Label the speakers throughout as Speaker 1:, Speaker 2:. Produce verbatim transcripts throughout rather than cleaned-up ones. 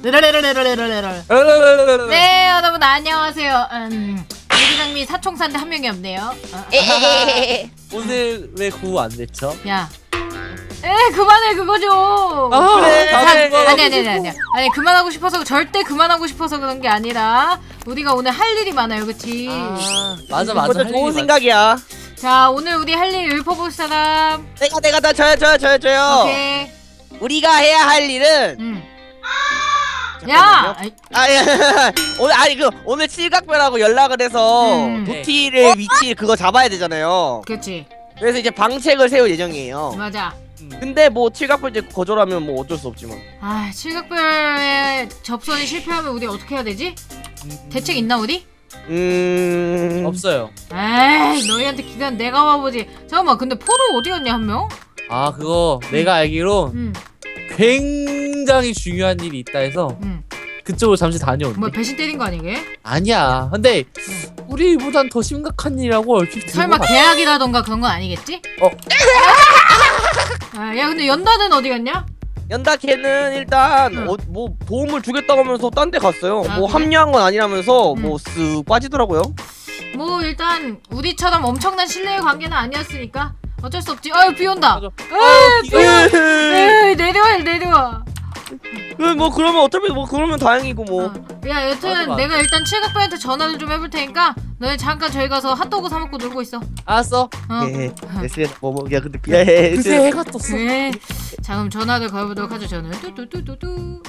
Speaker 1: 르르르르르르르르. 네, 여러분 안녕하세요. 음, 유기장미 사총사인데 한 명이 없네요. 어,
Speaker 2: 오늘 왜 구호 안 냈죠?
Speaker 1: 야, 에 그만해 그거 좀.
Speaker 2: 아,
Speaker 1: 그래.
Speaker 2: 나도
Speaker 1: 아니
Speaker 2: 그만하고
Speaker 1: 아니 아니 아니 아니 아니 그만하고 싶어서 절대 그만하고 싶어서 그런 게 아니라 우리가 오늘 할 일이 많아요, 그렇지?
Speaker 2: 아, 맞아 맞아.
Speaker 3: 그것도 좋은 생각이야.
Speaker 1: 자, 오늘 우리 할 일 읊어볼 사람.
Speaker 3: 내가 내가 나 저요 저요 저요 저요.
Speaker 1: 오케이.
Speaker 3: 우리가 해야 할 일은
Speaker 1: 음. 야, 아이,
Speaker 3: 아 예. 오늘 아니 그 오늘 칠각별하고 연락을 해서
Speaker 1: 음.
Speaker 3: 도티의 위치 그거 잡아야 되잖아요.
Speaker 1: 그렇지.
Speaker 3: 그래서 이제 방책을 세울 예정이에요.
Speaker 1: 맞아.
Speaker 3: 근데 뭐 칠각별 이제 거절하면 뭐 어쩔 수 없지만.
Speaker 1: 아, 칠각별에 접선이 실패하면 우리 어떻게 해야 되지? 대책 있나 우리?
Speaker 3: 음
Speaker 2: 없어요.
Speaker 1: 에이, 너희한테 기대한 내가 와보지. 잠깐만, 근데 포도 어디 갔냐 한 명?
Speaker 2: 아 그거 내가 알기로
Speaker 1: 응,
Speaker 2: 굉장히 중요한 일이 있다 해서
Speaker 1: 응.
Speaker 2: 그쪽으로 잠시 다녀온대.
Speaker 1: 뭐 배신 때린 거 아니게?
Speaker 2: 아니야. 근데 우리보단 더 심각한 일이라고 얼핏 들은
Speaker 1: 설마
Speaker 2: 것 같아.
Speaker 1: 계약이라던가 그런 건 아니겠지?
Speaker 2: 어.
Speaker 1: 아, 야, 근데 연다는 어디 갔냐?
Speaker 3: 연다 걔는 일단
Speaker 1: 응.
Speaker 3: 어, 뭐 도움을 주겠다고 하면서 딴 데 갔어요.
Speaker 1: 아,
Speaker 3: 뭐
Speaker 1: 그래?
Speaker 3: 합류한 건 아니라면서
Speaker 1: 응.
Speaker 3: 뭐 쓱 빠지더라고요.
Speaker 1: 뭐 일단 우리처럼 엄청난 신뢰의 관계는 아니었으니까 어쩔 수 없지. 어이, 비 온다.
Speaker 2: 맞아.
Speaker 1: 에이, 비 온다.
Speaker 3: 에이,
Speaker 1: 에이, 내려와, 내려와.
Speaker 3: 뭐 그러면 어차피 뭐 그러면 다행이고 뭐.
Speaker 1: 어. 야, 여튼
Speaker 2: 맞아, 맞아.
Speaker 1: 내가 일단 칠각배한테 전화를 좀 해볼 테니까 너네 잠깐 저희 가서 핫도그 사 먹고 놀고 있어.
Speaker 2: 알았어.
Speaker 1: 어.
Speaker 3: 예, 에스엔에스 뭐 뭐, 야 근데 예,
Speaker 2: 그새 해가 떴어.
Speaker 1: 그래. 자, 그럼 전화를 걸어보도록 하죠. 저는 뚜뚜뚜뚜뚜.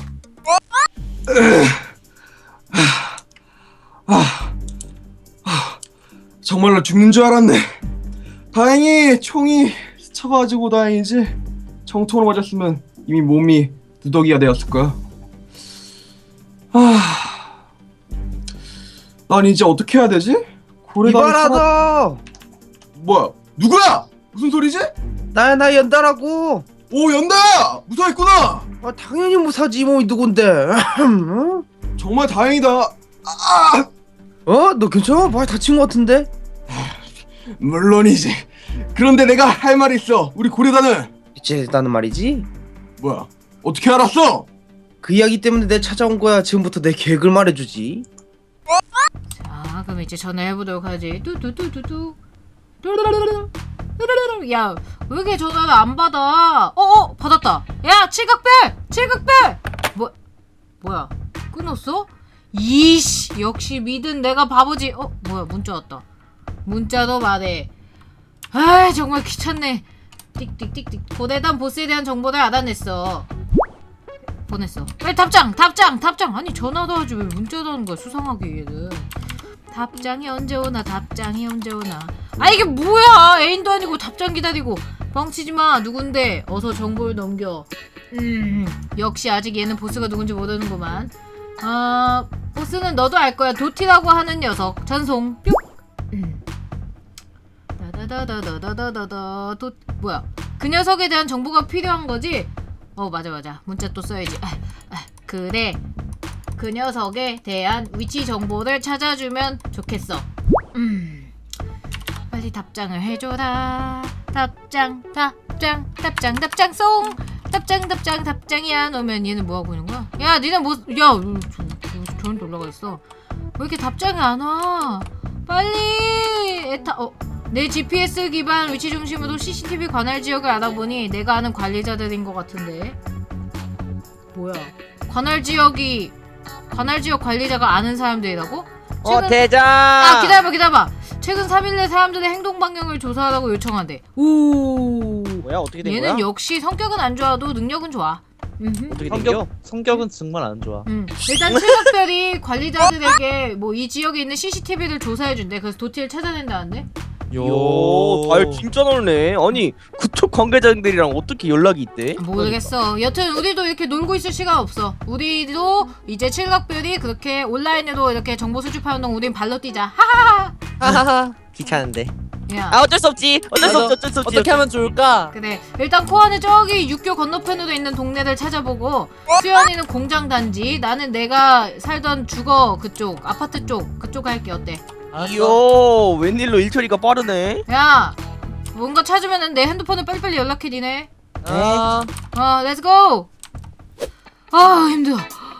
Speaker 4: 정말로 죽는 줄 알았네. 다행히 총이 스쳐가지고 다행이지. 정통으로 맞았으면 이미 몸이 누더기가 되었을 거야. 아, 난 이제 어떻게 해야 되지? 고래다리 살아...
Speaker 5: 이봐라도
Speaker 4: 뭐야? 누구야? 무슨 소리지?
Speaker 5: 나야 나 연다라고.
Speaker 4: 오, 연다야! 무사했구나.
Speaker 5: 아 당연히 무사지 뭐 누군데. 어?
Speaker 4: 정말 다행이다. 아,
Speaker 5: 어? 너 괜찮아? 많이 다친 것 같은데?
Speaker 4: 물론이지. 그런데 내가 할 말이 있어. 우리 고래다는
Speaker 5: 이제 나는 말이지.
Speaker 4: 뭐야? 어떻게 알았어?
Speaker 5: 그 이야기 때문에 내 찾아온 거야. 지금부터 내 계획을 말해주지.
Speaker 1: 자, 그럼 이제 전화해보도록 하지. 뚜뚜뚜뚜뚜. 뚜루루루루. 뚜루루루. 야, 왜 이렇게 전화를 안 받아? 어어, 받았다. 야, 칠각별! 칠각별! 뭐, 뭐야? 끊었어? 이씨, 역시 믿은 내가 바보지. 어, 뭐야, 문자 왔다. 문자도 말해. 아, 정말 귀찮네. 띡띡띡띡. 고대단 보스에 대한 정보를 알아냈어. 보냈어. 왜 답장, 답장, 답장. 아니 전화도 하지 왜 문자도 하는 거야? 수상하게 얘는. 답장이 언제 오나, 답장이 언제 오나. 아, 이게 뭐야? 애인도 아니고 답장 기다리고. 뻥치지 마. 누군데? 어서 정보를 넘겨. 음, 역시 아직 얘는 보스가 누군지 모르는구만. 아, 보스는 너도 알 거야. 도티라고 하는 녀석. 전송. 뿅. 음. 다다다다다다다다. 도 뭐야? 그 녀석에 대한 정보가 필요한 거지? 어, 맞아 맞아. 문자 또 써야지. 아, 아, 그래. 그 녀석에 대한 위치 정보를 찾아주면 좋겠어. 음. 빨리 답장을 해줘라. 답장, 답장, 답장, 답장 송. 답장, 답장, 답장이 안 오면 얘는 뭐 하고 있는 거야? 야, 니네 뭐? 야, 저, 저한테 올라가 있어. 왜 이렇게 답장이 안 와? 빨리. 에타. 어. 내 지피에스 기반 위치 중심으로 씨씨티비 관할 지역을 알아보니 내가 아는 관리자들인 것 같은데. 뭐야? 관할 지역이 관할 지역 관리자가 아는 사람들이라고?
Speaker 3: 어 대장.
Speaker 1: 아, 기다려봐 기다려봐. 최근 삼 일 내 사람들의 행동 반경을 조사하라고 요청한대. 오.
Speaker 3: 뭐야 어떻게 된
Speaker 1: 얘는
Speaker 3: 거야?
Speaker 1: 역시 성격은 안 좋아도 능력은 좋아. 음흠.
Speaker 3: 어떻게 된겨?
Speaker 2: 성격 성격은 정말 안 좋아.
Speaker 1: 음. 일단 칠각별이 관리자들에게 뭐 이 지역에 있는 씨씨티비를 조사해준대. 그래서 도티를 찾아낸다는데.
Speaker 3: 요, 달 진짜 넓네. 아니 그쪽 관계자들이랑 어떻게 연락이 있대?
Speaker 1: 모르겠어. 여튼 우리도 이렇게 놀고 있을 시간 없어. 우리도 이제 칠각별이 그렇게 온라인으로 이렇게 정보 수집하는 동안 우린 발로 뛰자. 하하하.
Speaker 3: 하하하. 귀찮은데.
Speaker 1: 야.
Speaker 3: 아 어쩔 수 없지. 어쩔 수
Speaker 2: 맞아.
Speaker 3: 없지. 어쩔 수 없지.
Speaker 2: 어떻게 하면 좋을까?
Speaker 1: 그래. 일단 코아는 저기 육교 건너편으로 있는 동네를 찾아보고 수연이는 공장 단지, 나는 내가 살던 주거 그쪽 아파트 쪽 그쪽 할게. 어때?
Speaker 2: 알았어.
Speaker 3: 이요 웬일로 일처리가 빠르네.
Speaker 1: 야, 뭔가 찾으면은 내 핸드폰에 빨리빨리 연락해 니네.
Speaker 2: 아,
Speaker 1: 어, 렛츠고. 아, 힘들어.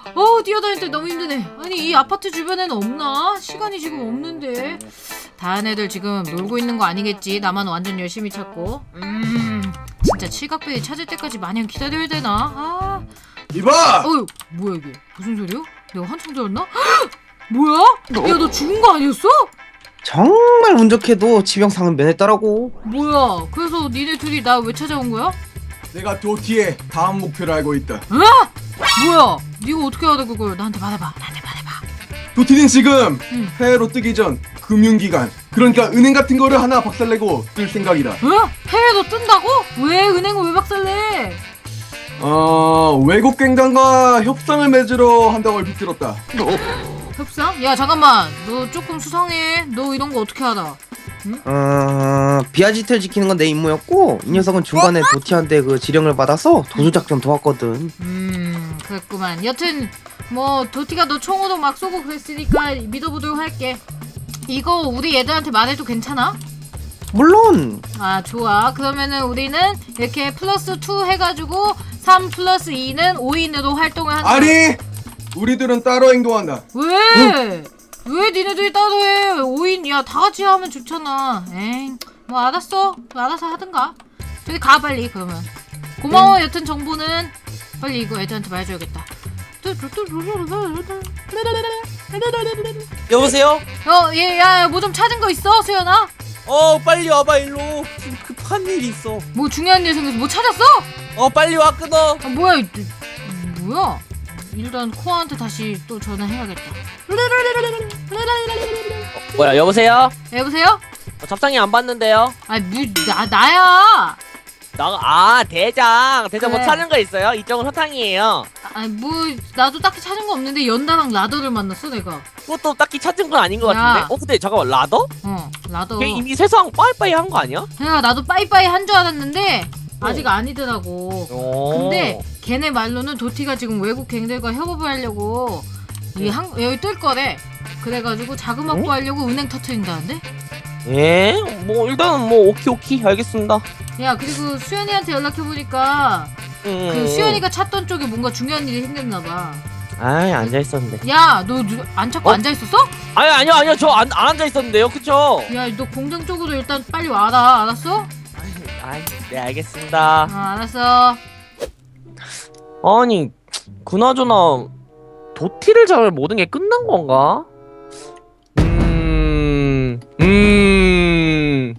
Speaker 1: 어 뛰어다닐 때 너무 힘드네. 아니 이 아파트 주변에는 없나? 시간이 지금 없는데. 다른 애들 지금 놀고 있는 거 아니겠지? 나만 완전 열심히 찾고. 음 진짜 칠각배기 찾을 때까지 마냥 기다려야 되나? 아
Speaker 4: 이봐!
Speaker 1: 어휴 뭐야 이게 무슨 소리야? 내가 한참 들었나? 뭐야? 야 너 죽은 거 아니었어?
Speaker 5: 정말 운 좋게도 지병상은 면했더라고.
Speaker 1: 뭐야 그래서 니네 둘이 나 왜 찾아온 거야?
Speaker 4: 내가 도티의 다음 목표를 알고 있다.
Speaker 1: 뭐야 니가 어떻게 알아 그걸 나한테 말해봐 나한테 말해봐.
Speaker 4: 도티는 지금
Speaker 1: 응.
Speaker 4: 해외로 뜨기 전 금융기관, 그러니까 은행 같은 거를 하나 박살내고 뜰 생각이다.
Speaker 1: 어? 해외도 뜬다고? 왜 은행을 왜 박살내?
Speaker 4: 어, 외국 갱단과 협상을 맺으러 한다고 얼핏 들었다.
Speaker 1: 협상? 야 잠깐만 너 조금 수상해. 너 이런 거 어떻게 알아?
Speaker 5: 어... 비아지트를 지키는 건 내 임무였고 이 녀석은 중간에 도티한테 그 지령을 받아서 도주작전 도왔거든.
Speaker 1: 음 그랬구만. 여튼 뭐 도티가 너 총으로 막 쏘고 그랬으니까 믿어보도록 할게. 이거 우리 애들한테 말해도 괜찮아?
Speaker 5: 물론.
Speaker 1: 아 좋아. 그러면은 우리는 이렇게 플러스 투 해가지고 삼 플러스 이는 오 인으로 활동을 한다.
Speaker 4: 아니! 우리들은 따로 행동한다.
Speaker 1: 왜? 왜 니네들이 따로 해? 오 인 야 다같이 하면 좋잖아. 에잉 뭐 알았어. 알아서 하든가. 저기 가 빨리 그러면. 고마워. 여튼 정보는 빨리 이거 애들한테 말해줘야겠다.
Speaker 2: 여보세요?
Speaker 1: 어, 얘, 야, 뭐 좀 찾은 거 있어, 수연아?
Speaker 2: 어 빨리 와봐 일로. 지금 급한 일이 있어.
Speaker 1: 뭐 중요한 일 생겨서 뭐 찾았어?
Speaker 2: 어 빨리 와 끊어.
Speaker 1: 아, 뭐야, 이, 뭐야? 일단 코아한테 다시 또 전화해야겠다.
Speaker 6: 뭐야 여보세요?
Speaker 1: 여보세요?
Speaker 6: 어, 잡상이 안 받는데요?
Speaker 1: 아, 뭐, 나, 나야!
Speaker 6: 나, 아 대장 대장
Speaker 1: 그래.
Speaker 6: 뭐 찾은 거 있어요? 이쪽은 허탕이에요.
Speaker 1: 아, 뭐, 나도 딱히 찾은 거 없는데 연다랑 라더를 만났어, 내가.
Speaker 6: 그것도 딱히 찾은 건 아닌 것
Speaker 1: 야.
Speaker 6: 같은데. 어 근데 잠깐만 라더?
Speaker 1: 어, 라더.
Speaker 6: 걔 이미 세상 빠이빠이 한 거 아니야?
Speaker 1: 그냥 나도 빠이빠이 한 줄 알았는데, 아직 아니더라고.
Speaker 6: 오.
Speaker 1: 근데 걔네 말로는 도티가 지금 외국 갱들과 협업을 하려고 이 한, 여기 뜰 거래. 그래가지고 자금 확보하려고 은행 터트린다는데?
Speaker 6: 예? 뭐 일단은 뭐 오키 오키 알겠습니다.
Speaker 1: 야 그리고 수연이한테 연락해보니까
Speaker 6: 음.
Speaker 1: 그 수연이가 찾던 쪽에 뭔가 중요한 일이 생겼나봐.
Speaker 6: 아이 앉아 있었는데.
Speaker 1: 야 너 안 찾고
Speaker 6: 어?
Speaker 1: 앉아있었어?
Speaker 6: 아니 아니요 아니요 저 안 안 앉아 있었는데요, 그쵸?
Speaker 1: 야 너 공장 쪽으로 일단 빨리 와라. 알았어?
Speaker 6: 아이 네 알겠습니다.
Speaker 1: 어 알았어.
Speaker 6: 아니 그나저나 도티를 잡으면 모든 게 끝난 건가? 음, 음,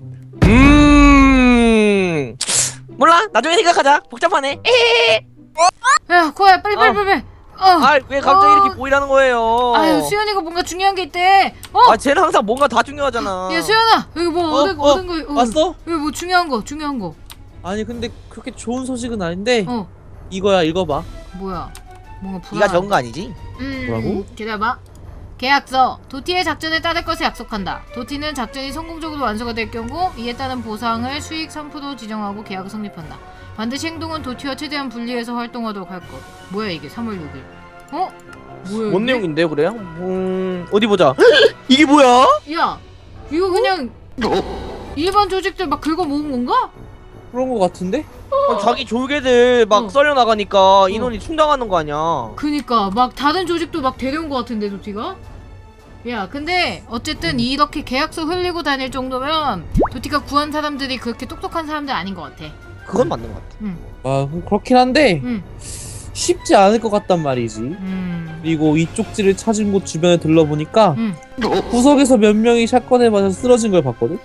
Speaker 6: 음. 몰라. 나중에 생각하자. 복잡하네. 에헤헤.
Speaker 1: 야 코야 빨리 빨리 빨리 빨리. 어.
Speaker 6: 아, 왜 갑자기
Speaker 1: 어.
Speaker 6: 이렇게 보이라는 거예요?
Speaker 1: 아유 수연이가 뭔가 중요한 게 있대. 어.
Speaker 6: 아, 쟤는 항상 뭔가 다 중요하잖아.
Speaker 1: 야 수연아 여기 뭐
Speaker 2: 어,
Speaker 1: 얻은
Speaker 2: 어,
Speaker 1: 얻은 거 어.
Speaker 2: 왔어?
Speaker 1: 여기 뭐 중요한 거 중요한 거.
Speaker 2: 아니 근데 그렇게 좋은 소식은 아닌데
Speaker 1: 어
Speaker 2: 이거야 읽어봐.
Speaker 1: 뭐야? 뭔가 불안.
Speaker 6: 네가 적은 거 아니지?
Speaker 1: 음,
Speaker 2: 뭐라고?
Speaker 1: 기다려봐. 계약서. 도티의 작전에 따를 것을 약속한다. 도티는 작전이 성공적으로 완수가 될 경우 이에 따른 보상을 수익 삼 퍼센트 지정하고 계약을 성립한다. 반드시 행동은 도티와 최대한 분리해서 활동하도록 할 것. 뭐야 이게 삼월 육일. 어? 뭐야
Speaker 6: 뭔
Speaker 1: 이게?
Speaker 6: 내용인데요, 그래요? 음, 어디 보자. 이게 뭐야?
Speaker 1: 야 이거 그냥 일반 조직들 막 긁어 모은 건가?
Speaker 2: 그런 거 같은데?
Speaker 6: 아, 자기 졸개들 막
Speaker 1: 어.
Speaker 6: 썰려 나가니까 인원이 충당하는 거 아니야?
Speaker 1: 그니까 막 다른 조직도 막 데려온 것 같은데 도티가? 야 근데 어쨌든 이렇게 계약서 흘리고 다닐 정도면 도티가 구한 사람들이 그렇게 똑똑한 사람들 아닌 것 같아.
Speaker 6: 그건 맞는 것 같아.
Speaker 2: 아 그렇긴 한데
Speaker 1: 응.
Speaker 2: 쉽지 않을 것 같단 말이지.
Speaker 1: 음.
Speaker 2: 그리고 이 쪽지를 찾은 곳 주변에 둘러보니까
Speaker 1: 응.
Speaker 2: 구석에서 몇 명이 샷건에 맞아서 쓰러진 걸 봤거든?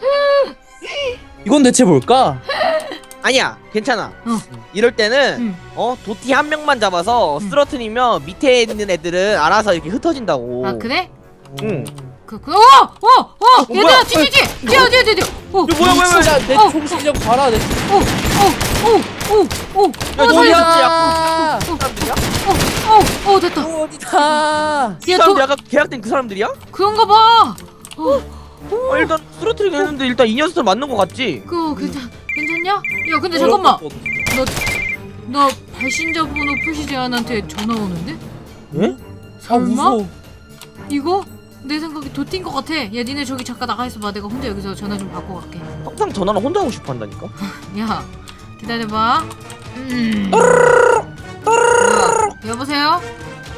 Speaker 2: 이건 대체 뭘까?
Speaker 6: 아니야, 괜찮아.
Speaker 1: 어.
Speaker 6: 이럴 때는
Speaker 1: 응.
Speaker 6: 어 도티 한 명만 잡아서
Speaker 1: 응.
Speaker 6: 쓰러트리면 밑에 있는 애들은 알아서 이렇게 흩어진다고.
Speaker 1: 아 그래?
Speaker 6: 응.
Speaker 1: 그, 그, 어! 어! 어! 얘들아!
Speaker 6: 뭐야?
Speaker 1: 뒤뒤뒤! 뛰어 뛰어 뛰어 뛰어! 어!
Speaker 6: 이거 뭐야, 뭐야, 뭐야?
Speaker 2: 진짜 내
Speaker 1: 어.
Speaker 2: 총실력 봐라 내
Speaker 1: 어! 어! 어! 어! 어!
Speaker 6: 야,
Speaker 1: 어!
Speaker 6: 너야?
Speaker 1: 살려줘!
Speaker 2: 야
Speaker 6: 사람들이야?
Speaker 1: 어! 어! 됐다!
Speaker 2: 어디다
Speaker 6: 이
Speaker 1: 야,
Speaker 6: 사람들
Speaker 1: 도-
Speaker 6: 약간 계약된 그 사람들이야?
Speaker 1: 그런가 봐! 어!
Speaker 6: 어, 일단 쓰러트리긴 했는데 일단 이 녀석들 맞는 거 같지?
Speaker 1: 그거 괜찮, 괜찮냐? 야 근데 잠깐만! 너, 너 발신자 번호 표시 제한한테 전화 오는데?
Speaker 6: 예?
Speaker 2: 아
Speaker 1: 설마?
Speaker 2: 무서워.
Speaker 1: 이거? 내 생각에 도티인 것 같아. 야 니네 저기 잠깐 나가 있어봐. 내가 혼자 여기서 전화 좀 받고 갈게.
Speaker 6: 항상 전화를 혼자 하고 싶어 한다니까?
Speaker 1: 야 기다려봐. 음. 뭐야? 여보세요?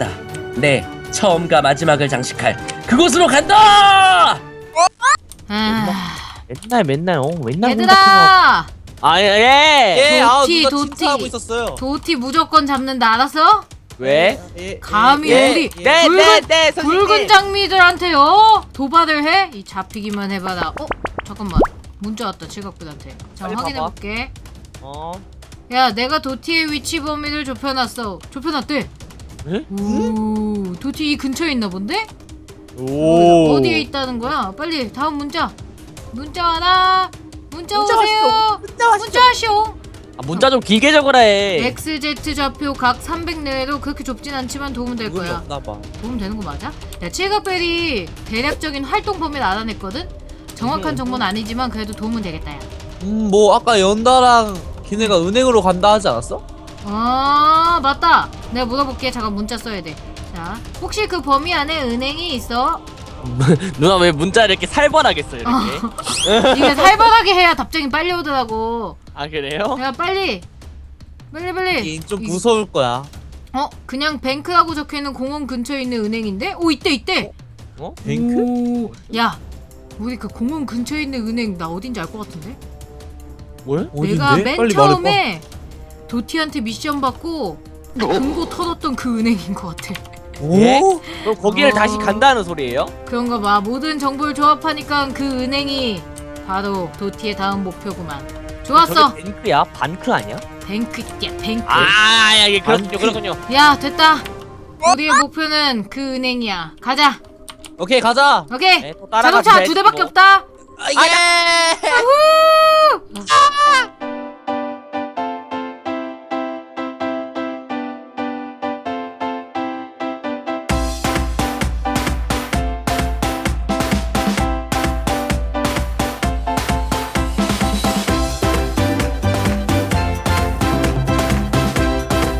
Speaker 7: 간다. 내 처음과 마지막을 장식할 그곳으로 간다.
Speaker 1: 아,
Speaker 3: 맨날 맨날 어 맨날
Speaker 1: 얘들아
Speaker 3: 아예
Speaker 2: 예, 아
Speaker 1: 도티,
Speaker 2: 누가
Speaker 1: 도티.
Speaker 2: 침투하고 있었어요.
Speaker 1: 도티 무조건 잡는다 알았어?
Speaker 3: 왜?
Speaker 2: 예,
Speaker 1: 감히
Speaker 2: 예,
Speaker 1: 우리
Speaker 2: 예.
Speaker 3: 네,
Speaker 1: 붉은,
Speaker 3: 네, 네, 선생님.
Speaker 1: 붉은 장미들한테요 도발을 해? 이 잡히기만 해봐라. 어? 잠깐만 문자 왔다 칠각별한테. 자
Speaker 3: 빨리
Speaker 1: 확인해볼게.
Speaker 3: 어.
Speaker 1: 야 내가 도티의 위치 범위를 좁혀놨어. 좁혀놨대.
Speaker 3: 에?
Speaker 1: 오 도티 이 근처에 있나 본데?
Speaker 3: 오.
Speaker 1: 어디에 있다는 거야? 빨리 다음 문자. 문자 와라. 문자,
Speaker 3: 문자
Speaker 1: 오세요.
Speaker 3: 왔어. 문자 왔어.
Speaker 1: 문자 하시오.
Speaker 3: 아, 문자 좀 길게 적으라 해.
Speaker 1: 엑스 제트 좌표 각 삼백 내외로 그렇게 좁진 않지만 도움은 될
Speaker 2: 그건
Speaker 1: 거야.
Speaker 2: 없나 봐.
Speaker 1: 도움 되는 거 맞아? 야 칠각벨이 대략적인 활동 범위를 알아냈거든? 정확한 정보는 아니지만 그래도 도움은 되겠다 야.
Speaker 2: 음, 뭐 아까 연다랑 걔네가 은행으로 간다 하지 않았어?
Speaker 1: 아 맞다. 내가 물어볼게. 잠깐 문자 써야 돼. 자 혹시 그 범위 안에 은행이 있어?
Speaker 3: 누나 왜 문자를 이렇게 살벌하게 써 이렇게?
Speaker 1: 이게 살벌하게 해야 답장이 빨리 오더라고.
Speaker 3: 아 그래요?
Speaker 1: 야 빨리 빨리 빨리.
Speaker 2: 이좀
Speaker 1: 이-
Speaker 2: 무서울 거야.
Speaker 1: 어 그냥 뱅크라고 적혀있는 공원 근처에 있는 은행인데? 오 있대 있대.
Speaker 3: 어?
Speaker 2: 뱅크?
Speaker 1: 오, 야 우리 그 공원 근처에 있는 은행 나 어딘지 알 것 같은데?
Speaker 3: 뭘?
Speaker 1: 내가
Speaker 2: 어딘데?
Speaker 1: 맨
Speaker 2: 빨리
Speaker 1: 처음에 도티한테 미션 받고 금고 털었던 그 은행인 것 같아.
Speaker 2: 오?
Speaker 3: 예? 그럼 거기를
Speaker 1: 어.
Speaker 3: 다시 간다는 소리예요?
Speaker 1: 그런가 봐. 모든 정보를 조합하니까 그 은행이 바로 도티의 다음 목표구만. 좋았어.
Speaker 3: 저게 뱅크야? 반크 아니야?
Speaker 1: 뱅크 야 뱅크.
Speaker 3: 아, 야, 예, 그렇군요,
Speaker 2: 반크.
Speaker 3: 그렇군요.
Speaker 1: 야 됐다. 우리의 목표는 그 은행이야. 가자.
Speaker 2: 오케이 가자.
Speaker 1: 오케이.
Speaker 3: 네, 또 따라가
Speaker 1: 자동차
Speaker 3: 줘야지,
Speaker 1: 두 대밖에
Speaker 3: 뭐.
Speaker 1: 없다.
Speaker 2: 아, 예.
Speaker 1: 우후!